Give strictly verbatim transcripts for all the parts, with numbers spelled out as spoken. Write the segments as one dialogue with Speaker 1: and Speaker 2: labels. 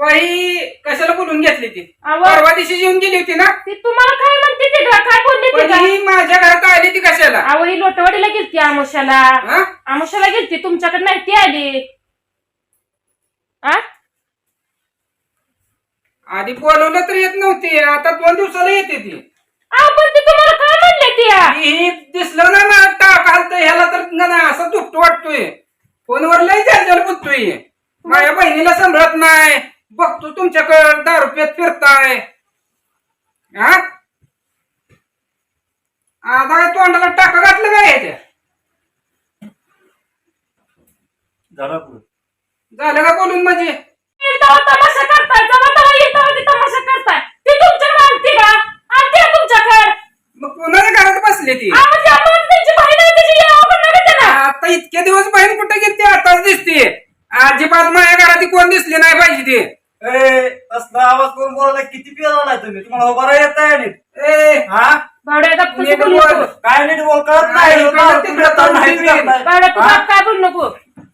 Speaker 1: वही कशाला बोलून घेतली ती
Speaker 2: अहो.
Speaker 1: परवा दिवशी येऊन गेली होती ना
Speaker 2: ती तुम्हाला काय म्हणते ती ग? काय बोलली ती
Speaker 1: पण
Speaker 2: का?
Speaker 1: ही माझ्या घरात आली ती कशाला
Speaker 2: अहो ही लोटवाडीला गेलती आमुष्याला
Speaker 1: हा?
Speaker 2: आमुष्याला गेलती तुमच्याकडे नाही ती आली आ
Speaker 1: आधी बोलवलं तर येत नव्हती आता दोन दिवसाला येते ती
Speaker 2: अहो पण ती तुम्हाला काय म्हणले ती आ?
Speaker 1: ही दिसलं ना मला टाक घालतोय ह्याला तर ना असं दुपट वाटतोय फोनवर लय जलजल बोलतोय माझ्या बहिणीला सांभाळत नाही बघतो तुमच्याकडे दारू पेत फिरताय हा आता काय तोंडाला टाका घातलं काय ह्याच्या झालं का बोलून म्हणजे
Speaker 2: तेव्हा तमाशा करताय जेव्हा तेव्हा येईल तेव्हा ती तमाशा करताय ती तुमच्याकडे आणते का आणते का तुमच्याकडे
Speaker 1: मग कोणाच्या घरात बसली ती
Speaker 2: अहो ती आपण त्यांची बहीण आहे त्याची यावं नका त्याला
Speaker 1: आता इतके दिवस बहीण कुठे गेली ती आताच दिसते अजिबात माझ्या घरात ती कोण दिसली नाही पाहिजे ती
Speaker 3: ए असला आवाज करून बोलायला किती पियाला नाही तुम्ही तुम्हाला उभा येत आहे नीट
Speaker 1: ए
Speaker 3: हा
Speaker 2: भावड्या गप्प
Speaker 1: नीट
Speaker 2: बोलू
Speaker 1: बोल.
Speaker 2: नको
Speaker 3: काय नीट बोल कळत
Speaker 1: नाही,
Speaker 3: नाही
Speaker 1: इकडं तिकडं
Speaker 3: तुम्ही
Speaker 1: तोंड
Speaker 3: माहिती
Speaker 1: फिरवी.
Speaker 3: करताय.
Speaker 2: भावड्या तू
Speaker 3: हा?
Speaker 2: बाप काय बोलू नको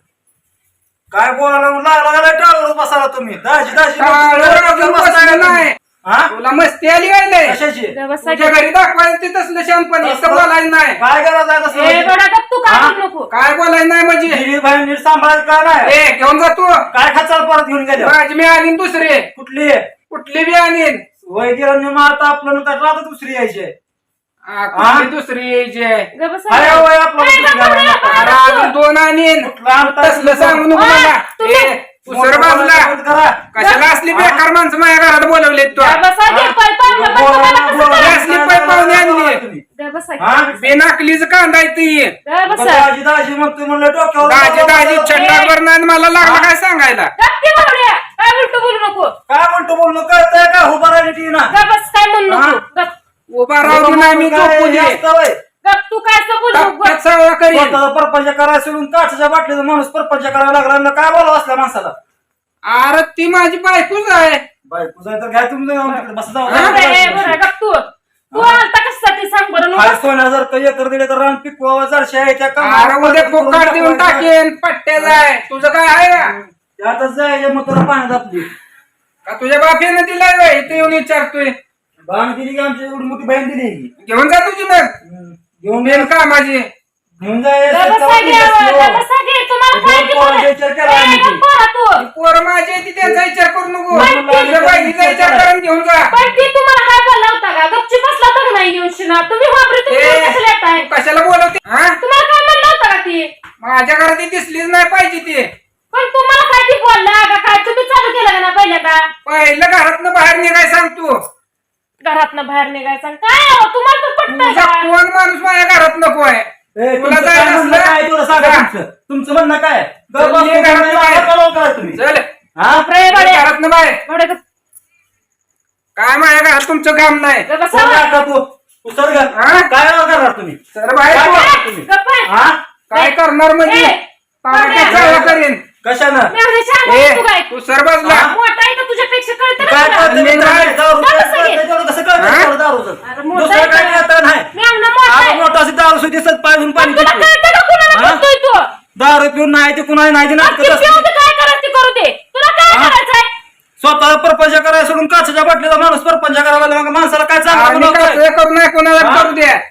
Speaker 3: काय बोलायला म्हणून लागला लागला टाळवर बसायला तुम्ही दाजी दाजी
Speaker 1: टाळवर अजून बसलं नाही.
Speaker 3: हा
Speaker 1: तुला मस्ती आली काय लय?
Speaker 3: कशाची
Speaker 2: व्यवस्था
Speaker 1: तुझ्या घरी दाखवायचं ते तसलं शानपण इथं बोलायचं नाही
Speaker 3: काय गरज आहे
Speaker 2: ए
Speaker 3: तसं
Speaker 2: भावड्या गप्प तू काय
Speaker 3: हा?
Speaker 2: बोलू नको
Speaker 1: काय बोलायचं नाही म्हणजे
Speaker 3: दिली बहीण नीट सांभाळायचं का नाही
Speaker 1: ए घेऊन जातो
Speaker 3: काय खचाल परत घेऊन गेले
Speaker 1: माझी मी आणीन दुसरी
Speaker 3: कुठली
Speaker 1: कुठली बी आणीन
Speaker 3: वय गिरण आता आपलं नंतर राहतं दुसरी यायची
Speaker 1: आ, कुठली दुसरी यायची
Speaker 2: गप्प बसा.
Speaker 3: अरे वय आपलं
Speaker 2: ए,
Speaker 3: दुसरी
Speaker 2: गप्प रे,
Speaker 3: घालायला.
Speaker 2: गप्प.
Speaker 1: अरे अजून दोन आणीन
Speaker 3: कुठलं आणताय?
Speaker 1: तसलं सांगू नको
Speaker 2: हा,
Speaker 1: मला
Speaker 2: तुम्ही-
Speaker 1: ए उसर बाजला
Speaker 3: बंद करा.
Speaker 1: कशाला असली बेकार माणसं माझ्या घरात बोलवले तू
Speaker 2: गप्प बसा,
Speaker 3: हा?
Speaker 2: घे, पाय पावलं, पण
Speaker 3: बोलायला-
Speaker 2: तुम्हाला कसं
Speaker 3: बोलायला
Speaker 2: करायचं?
Speaker 1: असली पाय पाहुणे आणली.
Speaker 3: तुम्ही.
Speaker 2: गप्प बसा,
Speaker 3: हा?
Speaker 1: बेनाकलीच कांदा ती
Speaker 2: गप्प बसा.
Speaker 3: दाजी दाजी म्हणतोय म्हणलं डोक्यावर
Speaker 1: दाजी दाजी छटावर नाही मला लागलं काय सांगायला
Speaker 2: गप्प ती भावड्या, काय उलटं बोलू नको
Speaker 3: काय म्हणतो बोलणं कळतंय का उभा राहिली ती ना
Speaker 2: गप्प बस, काय म्हणू नको
Speaker 3: हा?
Speaker 2: गप्प
Speaker 1: उभा राहून नाही मी झोपू दे
Speaker 2: गप्प तू काय असं बोलू नको
Speaker 1: टपक्यात सगळं करीन
Speaker 3: स्वतःचा परपंच करायला सोडून काठाच्या बाटलीचा माणूस परपंच करायला लागला आणि काय बोलावं असल्या माणसाला
Speaker 1: अरे ती माझी बायकोच आहे
Speaker 3: बायको जाय तर घ्या तुम्ही जाऊन तिकडे बसा जाऊ.
Speaker 2: बरं आहे, बरं आहे, गप्प तू तू आलता कशासाठी सांग बरं
Speaker 3: हाय
Speaker 2: नको
Speaker 3: सोन्यासारखं एकर दिले तर रान पिकवावं जरशे आहे त्या
Speaker 1: अरे उद्या फोकाट देऊन टाकेन पट्ट्या जाय तुझं काय आहे का
Speaker 3: त्यातच जायच्या मग तुला पाण्यात आपली
Speaker 1: का तुझ्या बापीने दिलाय बाई इथे येऊन विचारतोय
Speaker 3: बाण दिली की आमची एवढी मोठी बहीण दिली
Speaker 1: घेऊन जा तुझी मग
Speaker 3: हम्म. घेऊन
Speaker 1: मेन का माझी
Speaker 3: घेऊन जाय
Speaker 2: गप्प बसा घे, गप्प बसा घे, तुम्हाला काय ते
Speaker 3: पोरांचा
Speaker 2: बोलायचं?
Speaker 3: विचार केला
Speaker 2: ए,
Speaker 3: आम्ही ते.
Speaker 2: गप्प बसा तू.
Speaker 1: पोर माझी आहे ती त्यांचा विचार करू नको
Speaker 2: पण ती-
Speaker 1: तुझ्या बहिणीचा विचार करून घेऊन जा
Speaker 2: पण ती तुम्हाला काय बोलला होता का गपची बसला होता का नाही येऊन शिना तुम्ही वापरे तुम्ही
Speaker 1: ए,
Speaker 2: कशाला येताय
Speaker 1: तू कशाला बोलवते हा
Speaker 2: तुम्हाला काय म्हणलं होतं का ती
Speaker 1: माझ्या घरात ती दिसलीच नाही पाहिजे ती
Speaker 2: पण तुम्हाला काय ती बोलला का काय तुम्ही चालू केलं का ना पहिल्यांदा
Speaker 1: पहिलं घरातनं बाहेर निघाय सांग तू
Speaker 2: घरातनं बाहेर निघायचं आणि काय अहो, तुम्हाला तर पटतंय
Speaker 1: तुझा
Speaker 2: का
Speaker 1: कोण माणूस माझ्या घरात नको आहे
Speaker 3: ए,
Speaker 1: तुला
Speaker 3: तुमचं काय
Speaker 1: जायचं
Speaker 3: म्हणणं काय
Speaker 1: असलं
Speaker 3: तुला सांगा
Speaker 1: जा.
Speaker 3: तुमचं तुमचं म्हणणं काय
Speaker 1: चल,
Speaker 3: गप्प
Speaker 1: ये घरात
Speaker 3: बसून
Speaker 1: बाहेर.
Speaker 3: काय बोलावं काय तुम्ही
Speaker 1: चल
Speaker 3: हा
Speaker 2: रे बाळे,
Speaker 1: घरातनं बाहेर
Speaker 2: भावड्या गप्प-
Speaker 1: काय माझ्या घरात तुमचं काम नाही
Speaker 2: गप्प बसा.
Speaker 3: कोण राहता तू तू सर
Speaker 1: हा?
Speaker 3: काय करणार तुम्ही
Speaker 1: तर बाहेर
Speaker 3: काय
Speaker 1: तू.
Speaker 3: करणार तुम्ही
Speaker 2: गप्प आहे.
Speaker 3: हा
Speaker 1: काय करणार म्हणजे
Speaker 2: ए,
Speaker 1: तारखेचा
Speaker 2: बाहेर.
Speaker 1: चाळा करीन
Speaker 3: कशानं
Speaker 2: मी एवढी शहाणी
Speaker 1: ए
Speaker 2: आहे तू काय
Speaker 1: तू सर बाजला
Speaker 3: हा?
Speaker 2: मोठा आहे का तुझ्यापेक्षा कळतं का
Speaker 3: काय
Speaker 2: तुला?
Speaker 3: कळतं
Speaker 1: मी
Speaker 3: मित्रांनो?
Speaker 1: नाही.
Speaker 3: दारू
Speaker 2: गप्प
Speaker 3: प्यायचं
Speaker 2: सगळे.
Speaker 3: त्याच्यावर कसं कळतं
Speaker 1: हा?
Speaker 3: त्याला दारूचं?
Speaker 2: अरे मोठा
Speaker 3: दुसरं
Speaker 2: आहे
Speaker 3: काय
Speaker 2: का?
Speaker 3: कळतं नाही
Speaker 2: मी आमना मोठा
Speaker 3: आपण
Speaker 2: आहे.
Speaker 3: मोठा अशी दारू सुद्धा दिसत पाहिजे पाणी
Speaker 2: तुला
Speaker 3: पितो.
Speaker 2: कळतं का कुणाला
Speaker 3: हा?
Speaker 2: बघतोय तू
Speaker 3: दारू पिऊन नाही ते कुणाला नाही ते
Speaker 2: मग
Speaker 3: नाटकं
Speaker 2: ती
Speaker 3: असते.
Speaker 2: पिऊन ते काय करायचं ते करू दे तुला काय
Speaker 3: हा?
Speaker 2: करायचंय
Speaker 3: स्वतः परपंच करायला सोडून काचाच्या बाटलीचा माणूस परपंच करायला लागला. मग माणसाला काय चांगलं
Speaker 1: आम्ही
Speaker 3: बनवतोय?
Speaker 1: कसं करू नये कोणाला
Speaker 3: हा?
Speaker 1: करू द्या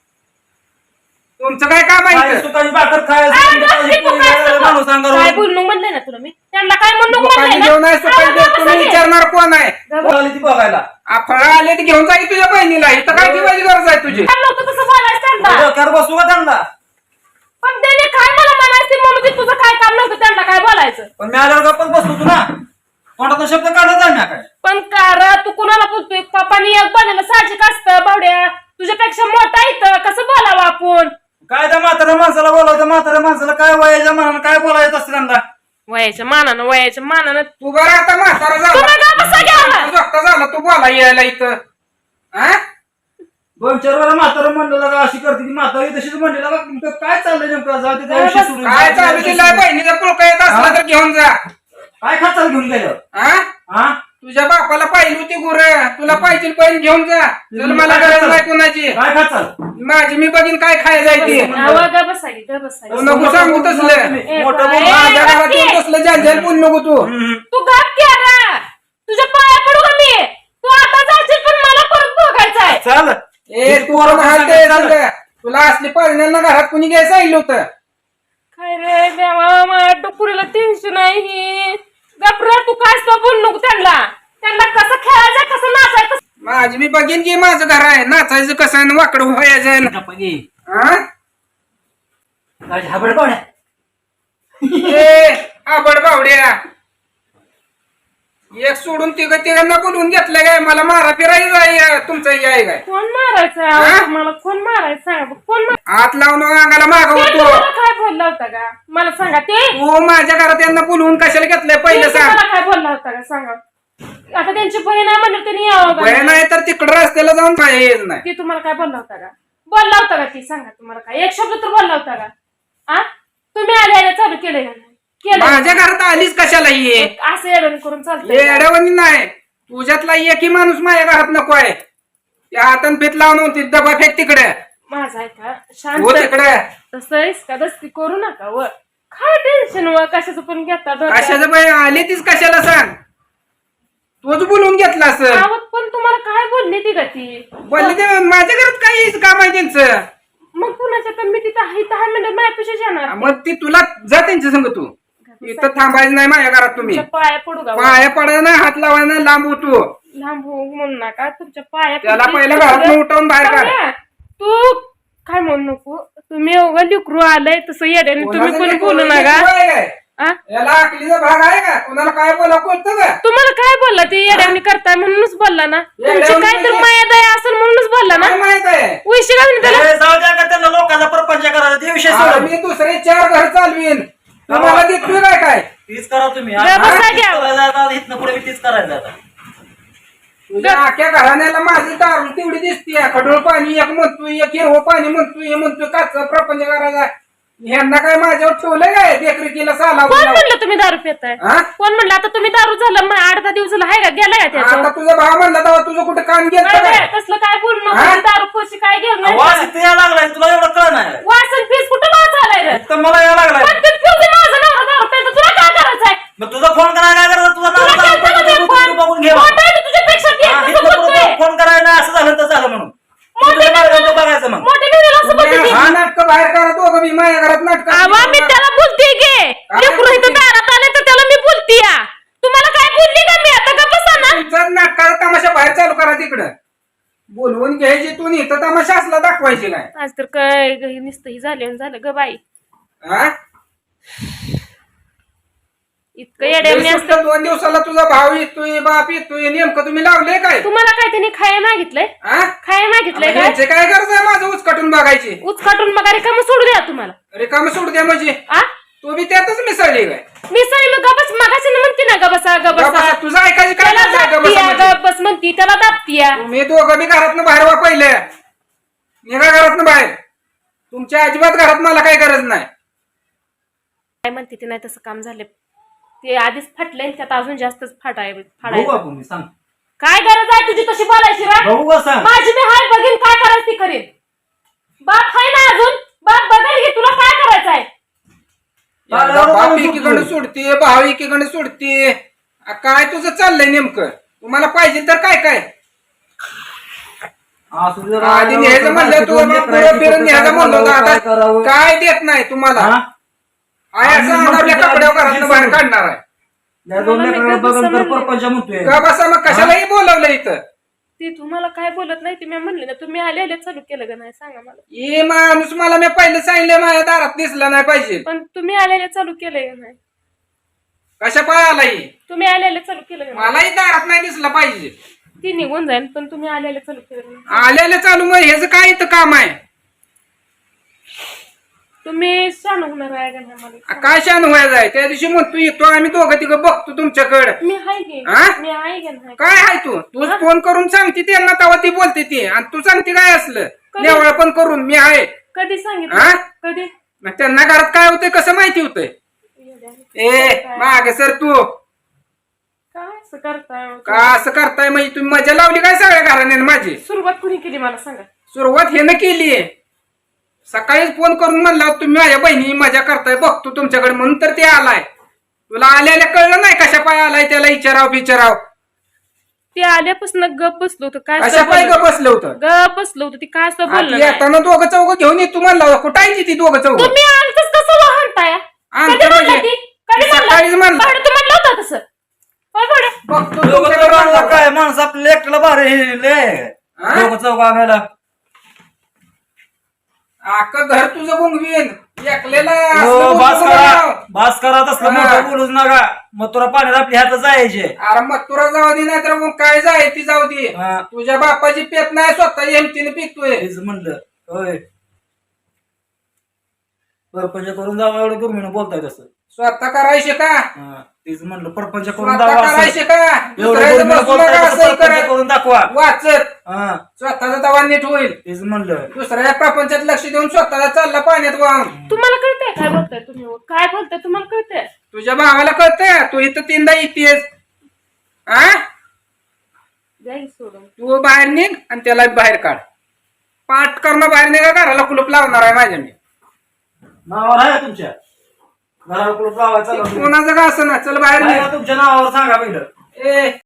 Speaker 1: तुमचं काय काम
Speaker 3: काय
Speaker 1: आहे
Speaker 3: सुकाची भाकर खायला
Speaker 2: काय
Speaker 3: सोडून
Speaker 2: गप्प
Speaker 3: दुधाची
Speaker 2: तू
Speaker 3: पोळी
Speaker 2: काय
Speaker 3: खायला
Speaker 2: सांगू?
Speaker 3: माणूस अंगावर
Speaker 2: काय
Speaker 3: ओढून.
Speaker 2: बोलणं म्हणलंय ना तुला मी त्यांना काय म्हणणं
Speaker 1: लोकांनी
Speaker 2: म्हणलंय
Speaker 1: घेऊन
Speaker 2: ना?
Speaker 1: आहे सुपारी
Speaker 2: अरे
Speaker 1: देत,
Speaker 2: बाबा
Speaker 1: तुम्ही
Speaker 2: सगळे.
Speaker 1: विचारणार कोण आहे
Speaker 3: कोण आली ती बघायला
Speaker 1: फळ आले ते घेऊन जाईल तुझ्या बहिणीला इथं काय ठेवायची गरज आहे तुझी
Speaker 2: काय नव्हतं तसं बोलायचं त्यांना.
Speaker 3: डोक्यावर बसू का त्यांना
Speaker 2: पण त्याने काय मला म्हणायचं म्हणून ते तुझं काय काम नव्हतं त्यांना काय बोलायचं
Speaker 3: पण मी आल्यावर गप्पच बसतो तू ना कोणाचा शब्द काढत आहे ना काय
Speaker 2: पण कार तू कुणाला बोलतोय पप्पानी एक बोलायला साहजिक असतं बावड्या तुझ्यापेक्षा मोठा इथं कसं बोलावं आपण
Speaker 3: काय त्या म्हाताऱ्या माणसाला बोलावतं म्हाताऱ्या माणसाला काय वयाच्या मनानं काय बोलायचं असतं त्यांना
Speaker 2: वयाच्या मानानं वयाच्या मानानं
Speaker 1: तू बरं आता म्हातारा
Speaker 2: तुम्ही का बसा घ्यावा?
Speaker 1: झाला जोगता झाला तू बोला यायला इथं हा
Speaker 3: दोन चार वेळा म्हातारं म्हणलं का अशी करते ती म्हातारी तशीच म्हणलेला का तुमचं काय चाललंय नेमकं जाऊ दे त्या विषयी सोडून द्या.
Speaker 1: काय चालू तिला बहिणीचा पुळका येत असला तर घेऊन जा
Speaker 3: काय खाचाल घेऊन गेलं
Speaker 1: हा
Speaker 3: हा
Speaker 1: तुझ्या बापाला पाहिली होती गुर तुला पाहिजे पण घेऊन जा चल मला गरज नाही कोणाची
Speaker 3: काय खाचाल
Speaker 1: माझी मी बघीन काय खायला जायची
Speaker 2: आवा ग बसा ग बसा
Speaker 1: तू नको सांगू तसलं
Speaker 3: मोठं बोल.
Speaker 2: ए,
Speaker 1: माझ्या घरात
Speaker 2: गप्प
Speaker 1: येऊन
Speaker 2: की.
Speaker 1: तसलं जाल जाल बोल नको तू
Speaker 3: हम्म.
Speaker 2: तू गप की आता
Speaker 3: चल
Speaker 1: ए तू कोण हालते सगळं? तुला असली पाहुण्यांना घरात कुणी घ्यायला सांगितलं होतं?
Speaker 2: काय रे देवा माझ्या डोकुरीला टेन्शन आहे ही गपरा तू काय असं बोल नको त्यांना त्यांना कसं खेळायचं कसं नाचायचं
Speaker 1: माझी मी बघीन की माझं घर आहे नाचायचं कसं आहे वाकडं व्हायचं हा
Speaker 3: हाबड पाहुण्या
Speaker 1: ए आबड बावड्या एक सोडून तिघ तिघांना बोलवून घेतलं काय मला मारा फिरायचं आहे तुमचं हे आहे काय
Speaker 2: कोण मारायचं
Speaker 1: हा?
Speaker 2: आहे? मला कोण मारायचं सांगा बघ, कोण मार-
Speaker 1: हात लावून अंगाला
Speaker 2: ते
Speaker 1: मागवतो
Speaker 2: तुम्हाला काय बोलला होता का मला सांगा ते
Speaker 1: तू माझ्या घरात यांना बोलवून कशाला घेतलंय
Speaker 2: ते
Speaker 1: पहिलं सांग
Speaker 2: तुम्हाला काय बोलला होता का सांगा आता त्यांची बहीण आहे म्हणलं त्यांनी यावं का?
Speaker 1: वय नाही तर तिकडं रस्त्याला जाऊन पाहिजे येत नाही
Speaker 2: ती तुम्हाला काय बोलला होता का बोलला होता का ती सांगा तुम्हाला काय एक शब्द तर बोलला होता का आ तुम्ही आल्या चालू केलंय का नाही केलं
Speaker 1: माझ्या घरात आलीच कशाला ये
Speaker 2: असं येडण करून चालतंय का?
Speaker 1: येड्यावानी नाही तुझ्यातला एकही माणूस माझ्या घरात नको आहे त्या हातान भीत लावून होती डबा फेक तिकडे
Speaker 2: माझा आहे का
Speaker 1: हो
Speaker 2: शांत
Speaker 1: तिकडे
Speaker 2: तसं इसका दस्ती करू नका व काय टेन्शन व कशाचं पण घेता डोक्यात.
Speaker 1: कशाचं बाई आली तीच कशाला सांग तूच बोलवून घेतला असं
Speaker 2: आवत पण तुम्हाला काय बोलली ती का ती
Speaker 1: बोलले ते माझ्या घरात काही काम आहे त्यांचं
Speaker 2: मग कुणाच्या तर मी तिथं आहे दहा मिनिटं माझ्यापेक्षा जाणार
Speaker 1: मग ती तुला जा त्यांच्या संग तू इथं थांबायचं नाही माझ्या घरात तुम्ही
Speaker 2: तुमच्या पाया पडू का
Speaker 1: पाया पडायला नाही हात लावायला नाही लांब होतो
Speaker 2: लांब हो म्हणू नका तुमच्या पाया
Speaker 1: त्याला
Speaker 2: पडू.
Speaker 1: पहिलं घरात उठवून बाहेर काढ
Speaker 2: चांगल्या. तू काय म्हणू नको तुम्ही एवढं लिकरू आलंय तसं येड्याने तुम्ही कोणी बोलू नका आ?
Speaker 1: याला अकलीचा भाग आहे का कुणाला काय बोला कोणतं का
Speaker 2: तुम्हाला काय बोलला ते येड्याने करताय म्हणूनच बोलला ना तुमची
Speaker 1: येड्यावानी
Speaker 2: काय तर
Speaker 1: म्हणजे?
Speaker 2: माया दया असेल म्हणूनच बोलला ना
Speaker 1: काय माहित आहे
Speaker 2: उशी घालून त्याला
Speaker 3: ए, जाऊ द्या का त्यांना लोकांचा प्रपंच करायचा ते विषय
Speaker 1: आता
Speaker 3: सोडून
Speaker 1: मी दुसरे चार घर चालवीन तुम्हाला देतोय काय काय
Speaker 3: तीच करा तुम्ही
Speaker 2: जा बसा
Speaker 3: तीच
Speaker 2: घ्या.
Speaker 3: करायला आता इथनं पुढे मी तीच करायचं आता
Speaker 1: तुझ्या अख्ख्या घराण्याला माझी दारू तेवढी दिसते खडूळ पाणी एक म्हणतोय एक हिरवं पाणी म्हणतोय हे म्हणतोय काचा प्रपंच करायचा ह्यांना काय माझ्यावर ठेवलंय काय देखरेखीला साला
Speaker 2: कोण म्हणलं तुम्ही दारू पिताय
Speaker 1: हा?
Speaker 2: कोण म्हणलं आता तुम्ही दारू झालं मग आठ दहा दिवसाला आहे का गेलाय का
Speaker 1: आता
Speaker 2: त्याचं
Speaker 1: तुझा भाव म्हणला तेव्हा तुझं कुठं काम गेलं
Speaker 2: नाही,
Speaker 1: काय
Speaker 2: नाही, तसलं काय बोलू नको
Speaker 1: हा?
Speaker 2: मी दारू पोशी काय घेऊन नाही
Speaker 3: वास इथे यायला लागलाय तुला एवढं कळ नाही
Speaker 2: वासन फीस कुठं वास आलाय रे
Speaker 3: तर मला यायला लागलाय
Speaker 2: पण ते पिऊ दे माझं नवरा दारू प्यायचं तुला काय करायचंय
Speaker 3: मग तुझा फोन करायला काय करायचं तुझा
Speaker 2: तुला
Speaker 3: नाव
Speaker 2: केलतं का मी फोन?
Speaker 3: बघून घे
Speaker 2: मोठा आहे तो तुझ्यापेक्षा ती
Speaker 3: हा,
Speaker 2: कसं
Speaker 3: इथनं पुढं
Speaker 2: बोलतोय?
Speaker 3: फोन करायला नाही असं झालं तर झालं म्हणून
Speaker 2: मोठे
Speaker 3: तुझ्या मार्गाने बघायचं मग
Speaker 2: मोठे बिडीला असं बोलते ती.
Speaker 1: हा नाटक बाहेर करा दोघं मी माझ्या घरात नाटक
Speaker 2: आवा मी त्याला बोलते गे लेकरू इथं दारात आले तर त्याला मी बोलते या तुम्हाला काय बोलली का मी आता का बसा ना
Speaker 1: तुमचा नाटकाचा तमाशा बाहेर चालू करा तिकडं बोलवून घ्यायची तू नाही तर तमाशा असला दाखवायची काय
Speaker 2: आज तर काय नुसतं ही झाले झालं ग बाई
Speaker 1: हा
Speaker 2: इतकं येड्याने असतं
Speaker 1: सुट्ट्या दोन दिवसाला तुझा भाव येतोय बाप येतोय नेमकं तुम्ही लावले काय
Speaker 2: तुम्हाला काय त्यांनी खाया मागितलंय
Speaker 1: हा?
Speaker 2: खाया मागितलंय काय
Speaker 1: यांचे काय गरज आहे माझं उचकटून बघायची
Speaker 2: उचकाटून बघा रिकामं सोडू द्या तुम्हाला
Speaker 1: रिकाम सोडू द्या म्हणजे
Speaker 2: आ
Speaker 1: तू बी त्यातच मिसळली काय
Speaker 2: मी सरी मग गबस मगाशी म्हणते ना गबसा गबसा
Speaker 1: गबसा, तुझं ऐकायची काय
Speaker 2: त्याला
Speaker 1: गरज आहे
Speaker 2: दाबतीया
Speaker 1: गबसामध्ये?
Speaker 2: गबस म्हणती त्याला दाबतीया
Speaker 1: तुम्ही दोघं बी घरातनं बाहेर वा पहिले निघा घरातनं बाहेर तुमच्या अजिबात घरात मला काही गरज नाही
Speaker 2: काय म्हणते ते नाही तसं काम झाले ते आधीच फाटले त्यात अजून जास्तच फाटाय
Speaker 3: बघू
Speaker 2: फाडायचं
Speaker 3: आपण मी सांग
Speaker 2: काय गरज आहे तुझी तशी बोलायची रा
Speaker 3: बघू का सांग
Speaker 2: माझी मी हाय बघीन काय करायचं ती करीन बाप हाय ना अजून बाप बघेल की तुला काय करायचं आहे
Speaker 1: बाप एकीकडे सोडते भाव एकीकडे सोडते आ, काय तुझं चाललंय नेमकं तुम्हाला पाहिजे तर काय काय
Speaker 3: असू दे जरा.
Speaker 1: आधी न्यायचं म्हणलं तू
Speaker 3: दोन
Speaker 1: मग
Speaker 3: लेकरं
Speaker 1: पुढं
Speaker 3: आहेत,
Speaker 1: फिरून
Speaker 3: कुठं
Speaker 1: न्यायचं
Speaker 3: काय
Speaker 1: म्हणलं होतं
Speaker 3: करावं, काय
Speaker 1: आता
Speaker 3: करावं?
Speaker 1: काय देत नाही तुम्हाला
Speaker 3: हा?
Speaker 1: आहे असं
Speaker 3: आम्ही
Speaker 1: आपल्या
Speaker 3: म्हणतो
Speaker 1: कपड्यावर
Speaker 3: त्या
Speaker 1: घरातनं बाहेर
Speaker 3: दिवशी
Speaker 1: काढणार आहे
Speaker 3: या दोन लेकराला बघून तर परपंच म्हणतोय
Speaker 1: का बसा मग कशालाही बोलावलं इथं
Speaker 2: ती तुम्हाला काय बोलत नाही ती मी म्हणले ना तुम्ही आले आले चालू केलं का नाही सांगा मला
Speaker 1: ये माणूस मला मी पहिलं सांगितलं माझ्या दारात दिसला नाही पाहिजे
Speaker 2: पण तुम्ही आले आले चालू केलंय का नाही
Speaker 1: कशा पाय आलाही
Speaker 2: तुम्ही आले आले चालू केलं का नाही
Speaker 1: मलाही दारात नाही दिसला पाहिजे
Speaker 2: ती निघून जाईल पण तुम्ही आले आले चालू केलं का नाही
Speaker 1: आल्याला चालू मग ह्याचं काय इथं काम आहे
Speaker 2: तुम्ही शान होणार आहे का नाही मला
Speaker 1: आ, काय शान व्हायचं आहे त्या दिवशी म्हणतो येतो आम्ही दोघं तिघं बघतो तुमच्याकडं
Speaker 2: मी हाय गे
Speaker 1: हा?
Speaker 2: मी आहे का नाही
Speaker 1: काय आहे तू तू फोन करून सांगते त्यांना तेव्हा ती बोलते ती आणि तू सांगते काय असलं
Speaker 2: कधी?
Speaker 1: नेवळ पण करून मी आहे
Speaker 2: कधी
Speaker 1: हा?
Speaker 2: सांगितलं कधी
Speaker 1: मग त्यांना घरात काय होतंय कसं माहिती होतंय ए मागे सर तू
Speaker 2: काय असं करताय
Speaker 1: का असं करताय म्हणजे तुम्ही मजा लावली काय सगळ्या घराण्याने माझी
Speaker 2: सुरुवात कुणी केली मला सांगा
Speaker 1: सुरुवात हे न केलीये सकाळीच फोन करून म्हणला तुम्ही माझ्या बहिणी मजा करताय बघतो तुमच्याकडे म्हणून तर ते आलाय तुला आल्याला कळलं नाही कशा पाय आलाय त्याला विचाराव विचाराव
Speaker 2: ते आल्यापासून गप बसलो होतं काय
Speaker 1: कशा पाय का बसलं होतं
Speaker 2: गप बसलो होतं ती काय असं बोललं नाही.
Speaker 1: येताना दोघं चौघ घेऊन येतो म्हणला कुठं आहे ती दोघं चौघ
Speaker 2: तुम्ही आणतच कसं वाहनताय
Speaker 1: आणतं
Speaker 2: कधी म्हणलं
Speaker 1: म्हणजे?
Speaker 2: ती कधी
Speaker 1: ती सकाळीच
Speaker 2: म्हणलं
Speaker 1: म्हणलं.
Speaker 2: भाडं तू म्हणलं होतं तसं होय भाडं?
Speaker 1: बघतो
Speaker 3: दोघं
Speaker 1: तुमच्याकडे
Speaker 3: चौघ
Speaker 1: माणसं.
Speaker 3: काय माणसं आपल्याला एकट्याला भारी हे लय.
Speaker 1: हा?
Speaker 3: दोघं चौघ आणायला
Speaker 1: अख्खं घर तुझं गुंगवीन एकलेला
Speaker 3: हो,
Speaker 1: असलं
Speaker 3: बास
Speaker 1: बोलू
Speaker 3: करा
Speaker 1: नका.
Speaker 3: बास करा तसलं
Speaker 1: हा.
Speaker 3: मोठं बोलूच नका मग तुला पाण्यात आपली हात जायचे
Speaker 1: अरे मग तुला जाऊ दे नाही तर मग काय जाय ती जाऊ दे
Speaker 3: हा.
Speaker 1: तुझ्या बापाची पेत नाही स्वतः एमटीने पितोय
Speaker 3: तेच म्हणलं होय परपंच करून जावं एवढं गुरमीनं बोलताय तसं
Speaker 1: स्वतः करायचे का
Speaker 3: हा, तेच म्हणलं परपंच करून
Speaker 1: स्वतः
Speaker 3: जावं
Speaker 1: करायचे
Speaker 3: असं.
Speaker 1: का
Speaker 3: एवढं
Speaker 1: दुसऱ्याचं
Speaker 3: गुरमीनं
Speaker 1: बसू
Speaker 3: बोलताय
Speaker 1: नका,
Speaker 3: तसं
Speaker 1: असंही
Speaker 3: परपंच
Speaker 1: करा.
Speaker 3: करून दाखवा
Speaker 1: वाचत
Speaker 3: हा
Speaker 1: स्वतःचा दवा नीट होईल
Speaker 3: तेच म्हणलं
Speaker 1: दुसऱ्या प्रपंचात लक्ष देऊन स्वतःला चालला पाण्यात वाहून
Speaker 2: तुम्हाला कळतंय काय बोलताय तुम्ही काय बोलताय तुम्हाला कळतंय
Speaker 1: तुझ्या भावाला कळतंय तू इथं तीनदा येतेस आ
Speaker 2: द्या की सोडून
Speaker 1: तू बाहेर निघ आणि त्याला बाहेर काढ पाठ करणं बाहेर निघा घराला कुलूप लावणार आहे माझ्या मी
Speaker 3: नावावर आहे का तुमच्या घराला कुलूप लावायचं चालू आहे.
Speaker 1: कोणाचं का असं ना चल बाहेर
Speaker 3: आहे
Speaker 1: निघ
Speaker 3: का तुमच्या नावावर सांगा पहिलं
Speaker 1: ए